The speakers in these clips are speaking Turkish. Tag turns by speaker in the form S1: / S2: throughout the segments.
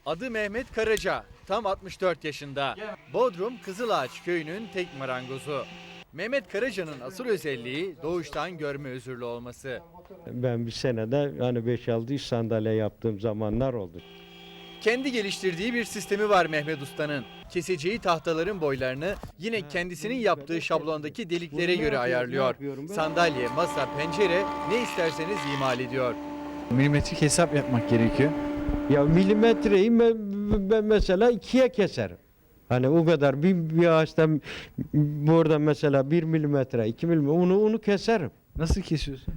S1: Adı Mehmet Karaca, tam 64 yaşında. Bodrum Kızılağaç köyünün tek marangozu. Mehmet Karaca'nın asıl özelliği doğuştan görme özürlü olması.
S2: Ben bir senede hani 5-6 iş sandalye yaptığım zamanlar oldu.
S1: Kendi geliştirdiği bir sistemi var Mehmet Usta'nın. Keseceği tahtaların boylarını yine kendisinin yaptığı şablondaki deliklere göre ayarlıyor. Sandalye, masa, pencere ne isterseniz imal ediyor.
S3: Milimetrik hesap yapmak gerekiyor.
S2: Ya milimetreyi ben mesela ikiye keserim. Hani o kadar bir ağaçtan burada mesela 1 milimetre, 2 milimetre onu keserim.
S3: Nasıl kesiyorsun?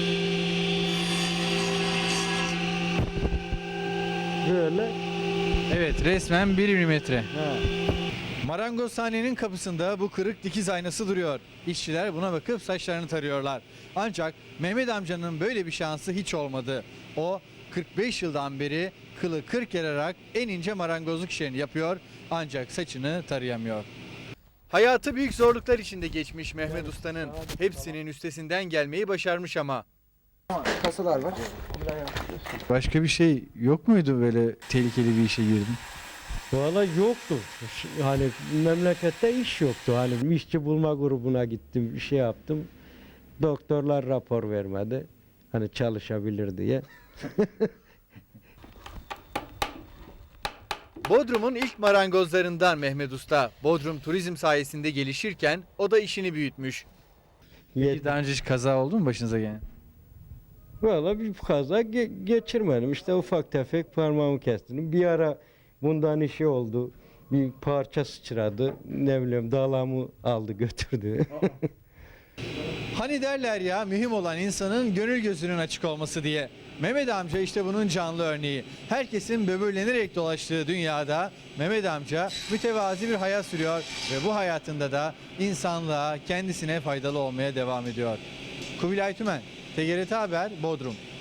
S2: Böyle.
S3: Evet, resmen 1 milimetre.
S2: Ha.
S1: Marangozhanenin kapısında bu kırık dikiz aynası duruyor. İşçiler buna bakıp saçlarını tarıyorlar. Ancak Mehmet amcanın böyle bir şansı hiç olmadı. O 45 yıldan beri kılı kırk yararak en ince marangozluk işlerini yapıyor ancak saçını tarayamıyor. Hayatı büyük zorluklar içinde geçmiş Mehmet Usta'nın. Hepsinin üstesinden gelmeyi başarmış ama.
S4: Kasalar var.
S3: Başka bir şey yok muydu böyle tehlikeli bir işe girdin?
S2: Valla yoktu. Hani memlekette iş yoktu. Hani işçi bulma grubuna gittim, bir şey yaptım. Doktorlar rapor vermedi. Hani çalışabilir diye.
S1: Bodrum'un ilk marangozlarından Mehmet Usta. Bodrum turizm sayesinde gelişirken o da işini büyütmüş.
S3: Peki daha önce hiç kaza oldu mu başınıza gelen?
S2: Valla bir kaza geçirmedim. İşte ufak tefek parmağımı kestim. Bir ara bundan işi oldu. Bir parça sıçradı. Ne bileyim dalağımı aldı götürdü.
S1: Hani derler ya mühim olan insanın gönül gözünün açık olması diye. Mehmet amca işte bunun canlı örneği. Herkesin böbürlenerek dolaştığı dünyada Mehmet amca mütevazi bir hayat sürüyor ve bu hayatında da insanlığa, kendisine faydalı olmaya devam ediyor. Kubilay Tümen, TGRT Haber, Bodrum.